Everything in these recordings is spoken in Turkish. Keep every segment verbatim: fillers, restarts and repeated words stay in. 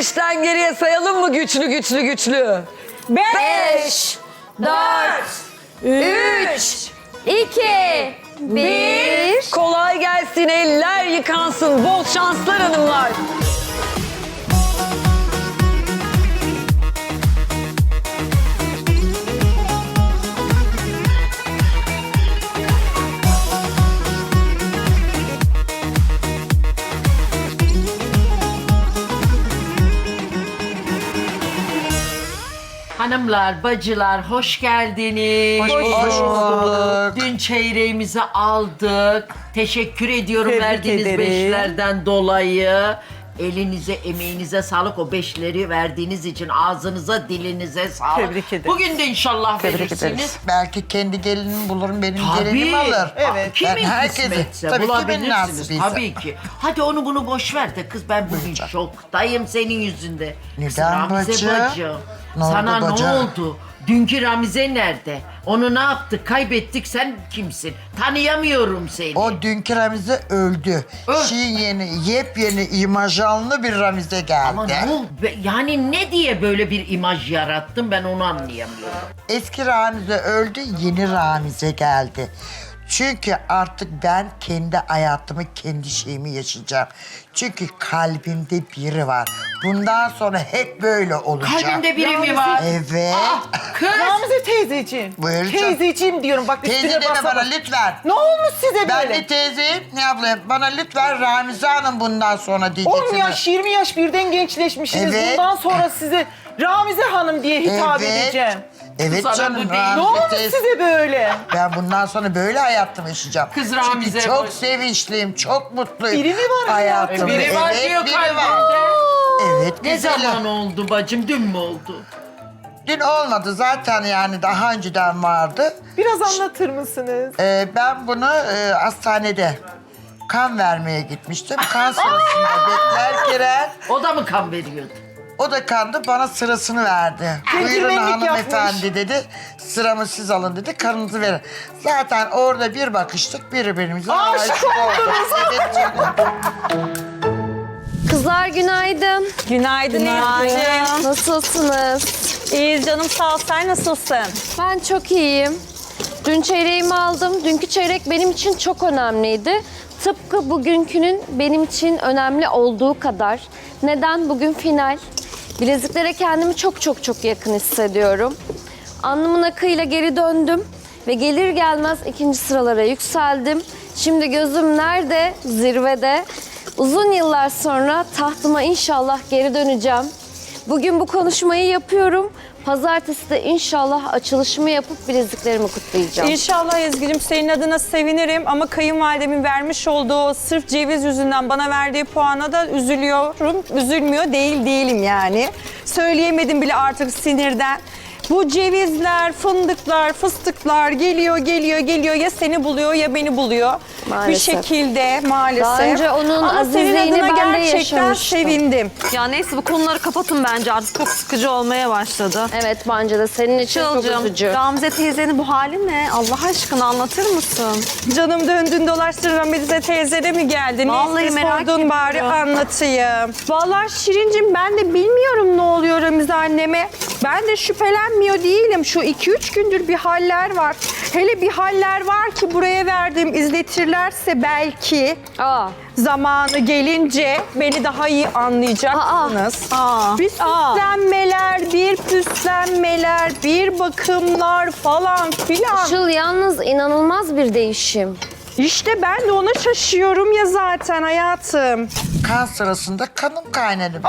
Beşten geriye sayalım mı güçlü güçlü güçlü? Beş, dört, üç, iki, bir. Kolay gelsin, eller yıkansın. Bol şanslar hanımlar. Hanımlar, bacılar hoş geldiniz. Hoş bulduk. Dün çeyreğimizi aldık. Teşekkür ediyorum Tebrik verdiğiniz ederim. beşlerden dolayı. Elinize, emeğinize sağlık. O beşleri verdiğiniz için ağzınıza, dilinize sağlık. Tebrik ederim. Bugün de inşallah Tebrik verirsiniz. ederiz. Belki kendi gelinimi bulurum, benim Tabii. gelinim alır. Evet. Kimin Ben herkesi- kısmetse tabii kimin bulabilirsiniz. nasibiyse. Tabii ki. Hadi onu bunu boş ver de kız, ben bugün şoktayım senin yüzünden. Kız, Neden Ramize bacı? bacı, Ne oldu sana bacı? ne oldu? Dünkü Ramize nerede? Onu ne yaptık? Kaybettik. Sen kimsin? Tanıyamıyorum seni. O dünkü Ramize öldü. Öl. Şimdi yeni, yepyeni imajlı bir Ramize geldi. Ama ne oldu? Be- Yani ne diye böyle bir imaj yarattın, ben onu anlayamıyorum. Eski Ramize öldü, yeni Ramize geldi. Çünkü artık ben kendi hayatımı, kendi şeyimi yaşayacağım. Çünkü kalbimde biri var. Bundan sonra hep böyle olacak. Kalbinde biri mi var? Evet. Ah, kız! Ramize teyzeciğim. Buyur canım. Teyzeciğim diyorum bak Teyze üstüne deme basa bana bas. lütfen. Ne olmuş size Ben böyle? bir teyzeyim, ne yapayım? Bana lütfen Ramize Hanım bundan sonra diyeceksiniz. on yaş, yirmi yaş birden gençleşmişsiniz. Evet. Bundan sonra size Ramize Hanım diye hitap Evet. edeceğim. Evet Sana canım bu değil. Ne Ramize olmuş teyze. size böyle? Ben bundan sonra böyle hayatımı yaşayacağım. Kız Ramize Çünkü çok boş. sevinçliyim, çok mutluyum. Biri mi var hayatımda? Biri var evet, diyor biri kalbinde. var. Evet, Ne güzelim. zaman oldu bacım? Dün mü oldu? Dün olmadı zaten, yani daha önceden vardı. Biraz anlatır mısınız? Ee, ben bunu e, hastanede kan vermeye gitmiştim. Kan sırasında beklerken O da mı kan veriyordu? o da kandı, bana sırasını verdi. Buyurun Centilmenlik hanımefendi yapmış. dedi. Sıramı siz alın dedi, kanınızı verin. Zaten orada bir bakıştık, birbirimize Aşık aşık olduk. Evet canım. Kızlar günaydın. Günaydın Elif'ciğim. Nasılsınız? İyiyiz canım, sağ ol. Sen nasılsın? Ben çok iyiyim. Dün çeyreğimi aldım. Dünkü çeyrek benim için çok önemliydi. Tıpkı bugünkünün benim için önemli olduğu kadar. Neden? Bugün final. Bileziklere kendimi çok çok çok yakın hissediyorum. Alnımın akıyla geri döndüm ve gelir gelmez ikinci sıralara yükseldim. Şimdi gözüm nerede? Zirvede. Uzun yıllar sonra tahtıma inşallah geri döneceğim. Bugün bu konuşmayı yapıyorum. Pazartesi de inşallah açılışımı yapıp bileziklerimi kutlayacağım. İnşallah Ezgi'cim senin adına sevinirim ama kayınvalidemin vermiş olduğu sırf ceviz yüzünden bana verdiği puana da üzülüyorum. Üzülmüyor değil değilim yani. Söyleyemedim bile artık sinirden. Bu cevizler, fındıklar, fıstıklar geliyor, geliyor, geliyor. Ya seni buluyor ya beni buluyor. Maalesef. Bir şekilde maalesef. Daha önce onun Ama senin azizliğini adına ben de gerçekten yaşamıştım. sevindim. Ya neyse bu konuları kapatın bence, artık çok sıkıcı olmaya başladı. Evet bence de senin için çok Çılcım, üzücü. Ramize teyzenin bu hali ne? Allah aşkına anlatır mısın? Canım döndün dolaştın Ramize teyze de mi geldin? Vallahi Neyse merak sordun bari ediyorum. anlatayım. Vallahi Şirincim ben de bilmiyorum ne oluyor Ramize anneme. Ben de şüphelenmiyor değilim. Şu iki üç gündür bir haller var. Hele bir haller var ki buraya verdim, izletirlerse belki Aa, zamanı gelince beni daha iyi anlayacaksınız. Aa. Bir süslenmeler, bir püslenmeler, bir bakımlar falan filan. Işıl yalnız inanılmaz bir değişim. İşte ben de ona şaşıyorum ya zaten hayatım. Kan sırasında kanım kaynadı.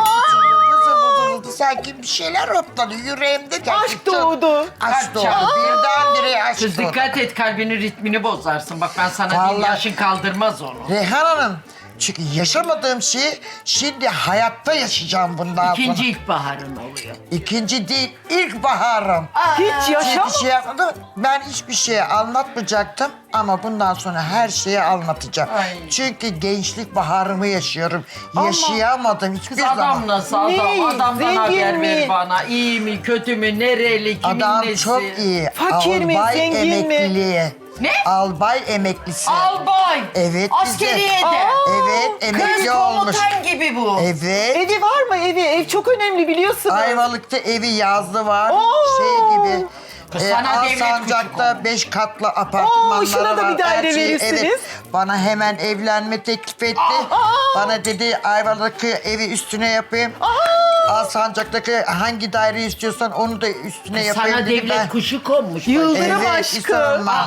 Vızı vızı vızı, sanki bir şeyler hopladı yüreğimde. Aşk doğdu. Aşk doğdu. Birdenbire aşk Kız doğdu. dikkat et, kalbinin ritmini bozarsın. Bak ben sana diyeyim, Vallahi- yaşın kaldırmaz onu. Reyhan Hanım, çünkü yaşamadığım şeyi şimdi hayatta yaşayacağım bundan İkinci sonra. ilkbaharın oluyor. İkinci değil, ilk baharım. Hiç yaşam. Hiçbir şey yapmadım. Ben hiçbir şeyi anlatmayacaktım ama bundan sonra her şeyi anlatacağım. Ay. Çünkü gençlik baharımı yaşıyorum. Yaşayamadım hiçbir Kız adam zaman. nasıl adam? Ne? Adamdan Zengin haber ver mi? bana. İyi mi, kötü mü, nereli, kimin Adam nesi? çok iyi. Fakir mi, Albay zengin mi? emekliliği. Ne? Albay emeklisi. Albay. Evet, Askeriyede. bize- Evet, Kız emekli olmuş. komutan gibi bu. Evet. Evi var mı evi? Ev çok önemli biliyorsunuz. Ayvalık'ta evi yazlı var. Oo. Şey gibi. Kız E, sana devlet Alsancak'ta kuşu beş katlı apartmanları Oo, şuna da var. bir daire Her şey- verirsiniz. Evet. Bana hemen evlenme teklif etti. Bana dedi Ayvalık'ı evi üstüne yapayım. Alsancak'taki hangi daire istiyorsan onu da üstüne yapayım Sana dedi. devlet Ben- kuşu konmuş. Yıldırım Evet, aşkı. hiç sorma.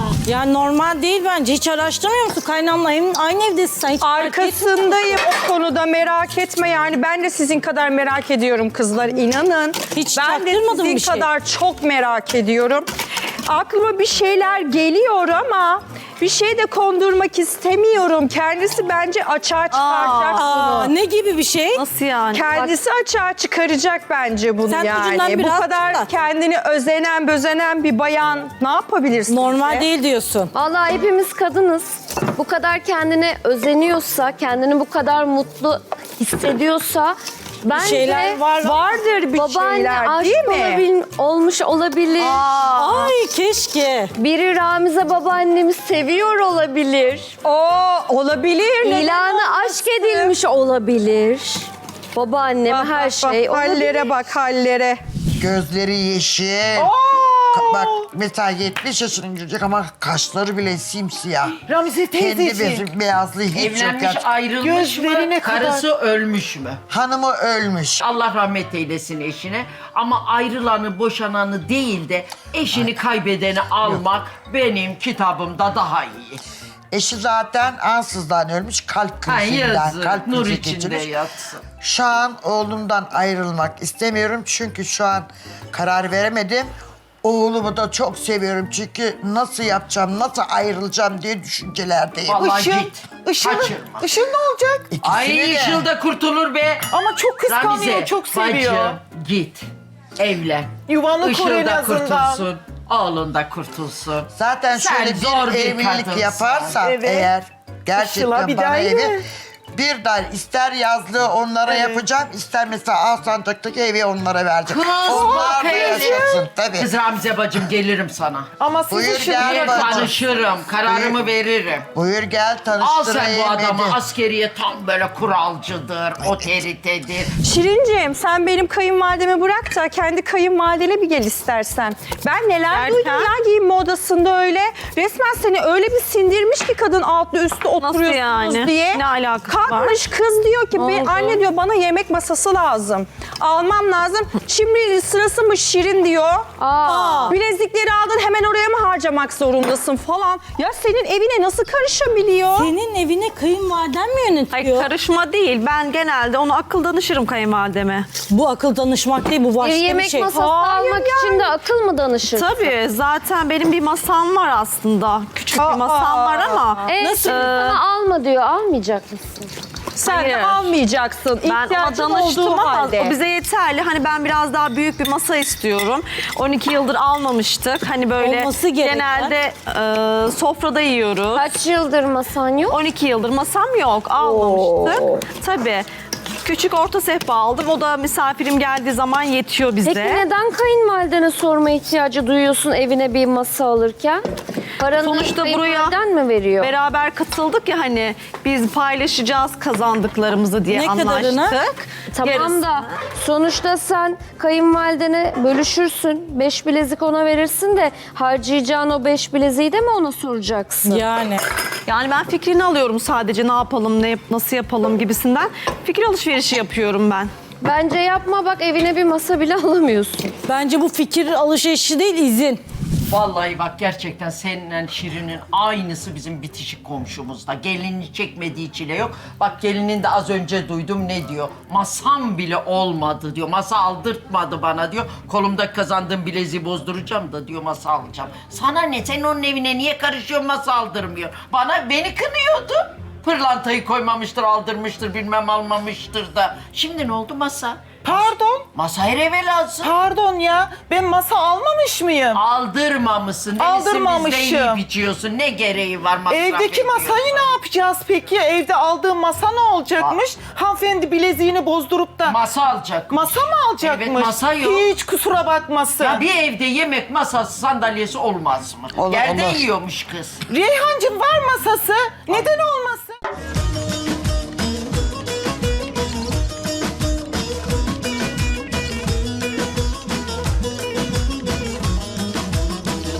Ya normal değil bence. Hiç araştırmıyor musun? Kaynanla hem aynı evdesin sen. Hiç Arkasındayım o konuda, merak etme yani. Ben de sizin kadar merak ediyorum kızlar, inanın. Hiç ben de çaktırmadın sizin bir şey. kadar çok merak ediyorum. Aklıma bir şeyler geliyor ama bir şey de kondurmak istemiyorum. Kendisi bence açığa çıkaracak Aa, bunu. ne gibi bir şey? Nasıl yani? Kendisi açığa çıkaracak bence bunu Sen ucundan yani. Bu biraz kadar tut da. kendini özenen, bözenen bir bayan ne yapabilirsin? Normal ki? değil diyorsun. Vallahi hepimiz kadınız. Bu kadar kendine özeniyorsa, kendini bu kadar mutlu hissediyorsa bence şeyler var. Vardır bir babaanne şeyler aşık değil mi? olabil- olmuş olabilir. Ay keşke. Biri Ramize babaannemi seviyor olabilir. Oo, olabilir. Neden İlanı aşk edilmiş olabilir. Babaannem Bak, her bak, şey bak, olabilir. hallere bak hallere. Gözleri yeşil. Oo! Ka- Bak mesela yetmiş yaşına girecek ama kaşları bile simsiyah. Ramize Kendi teyzeciğim. be- beyazlığı hiç yok. Evlenmiş, gerçekten. ayrılmış Gözlerine mı? kadar- Karısı ölmüş mü? Hanımı ölmüş. Allah rahmet eylesin eşine. Ama ayrılanı, boşananı değil de eşini kaybedeni almak benim kitabımda daha iyi. Eşi zaten ansızdan ölmüş kalp Ay krizinden. yazık, Kalp nur krizi içinde geçirmiş. yatsın. Şu an oğlumdan ayrılmak istemiyorum çünkü şu an karar veremedim. Oğlumu da çok seviyorum çünkü nasıl yapacağım, nasıl ayrılacağım diye düşüncelerdeyim. Vallahi Işıl, git. Işıl, Kaçırma. Işıl ne olacak? İkisini Ay de. Işıl'da kurtulur be. Ama çok kıskanıyor, Ramize, çok seviyor. Bacım git. Evlen. Yuvanı Işıl kur en da azından. kurtulsun. Oğlun da kurtulsun. Zaten Sen şöyle zor bir bir evlilik kadınsın. yaparsam Evet. eğer Işıl'a gerçekten bir bana daha evi iyi. bir daire ister yazlığı onlara Evet. yapacağım ister mesela Alsancak'taki evi onlara vereceğim. Kız, Onlar da kız. yaşasın tabii. Kız Ramize bacım gelirim sana. Ama siz Buyur Işıl'ı gel Bir bacım. tanışırım, kararımı veririm. Buyur gel Al tanıştırayım. sen bu adamı, dedi. askeriye tam böyle kuralcıdır, otoritedir. Şirinciğim sen benim kayınvalidemi bırak da kendi kayınvalidene bir gel istersen. Ben neler Derken? duydum ya giyinme odasında öyle. Resmen seni öyle bir sindirmiş ki kadın altlı üstü oturuyorsunuz yani? diye. Ne alakası var? Kalkmış kız diyor ki "Ben- oldu? anne diyor bana yemek masası lazım. Almam lazım. Şimdi sırası mı Şirin diyor. Aa. Bilezikleri aldın hemen oraya mı harcamak zorundasın falan. Ya senin evine nasıl karışabiliyor? Senin evine kayınvaliden mi yönetiyor? Hayır karışma değil. Ben genelde onu akıl danışırım kayınvalideme. Bu akıl danışmak değil bu başka Bir bir, yemek şey. masası Hayır almak için de akıl mı danışır? Tabii zaten benim bir masam var aslında. Küçük Aa, bir masam var ama. E, Nasıl? şimdi sana alma diyor. Almayacak mısın? Sen de Hayır. almayacaksın. Ben ona İhtiyacın danıştım olduğu ama halde. o bize yeterli. Hani ben biraz daha büyük bir masa istiyorum. on iki yıldır almamıştık. Hani böyle Olması gereken. genelde e, sofrada yiyoruz. Kaç yıldır masan yok? on iki yıldır masam yok. Almamıştık. Tabii. Küçük orta sehpa aldım. O da misafirim geldiği zaman yetiyor bize. Peki neden kayınvalidene sorma ihtiyacı duyuyorsun evine bir masa alırken? Paranı Sonuçta buraya kayınvaliden mi veriyor? Beraber katıldık ya hani biz paylaşacağız kazandıklarımızı diye Ne anlaştık. kadarını? Tamam Yarısı. da sonuçta sen kayınvalidene bölüşürsün. Beş bilezik ona verirsin de harcayacağın o beş bileziği de mi ona soracaksın? Yani. Yani ben fikrini alıyorum sadece ne yapalım, ne yap- nasıl yapalım gibisinden. Fikir alışverişi yapıyorum ben. Bence yapma bak evine bir masa bile alamıyorsun. Bence bu fikir alışverişi değil izin. Vallahi bak gerçekten seninle Şirin'in aynısı bizim bitişik komşumuzda. Gelini çekmediği çile yok. Bak gelinin de az önce duydum ne diyor. Masam bile olmadı diyor. Masa aldırtmadı bana diyor. Kolumda kazandığım bileziği bozduracağım da diyor masa alacağım. Sana ne? Sen onun evine niye karışıyorsun masa aldırmıyor? Bana beni kınıyordu. Pırlantayı koymamıştır, aldırmıştır, bilmem almamıştır da. Şimdi ne oldu masa? Pardon. Masa her eve lazım. Pardon ya. Ben masa almamış mıyım? Aldırmamışsın. Aldırmamışım. Bizde yiyip içiyorsun. Ne gereği var masraf Evdeki ediyorsun? masayı ne yapacağız peki? Evde aldığım masa ne olacakmış? Hanımefendi bileziğini bozdurup da Masa alacak. masa mı alacakmış? Evet, masa yok. Hiç kusura bakmasın. Ya bir evde yemek masası, sandalyesi olmaz mı? Olur, Yerde olur. yiyormuş kız. Reyhancığım var masası. Neden olmasın?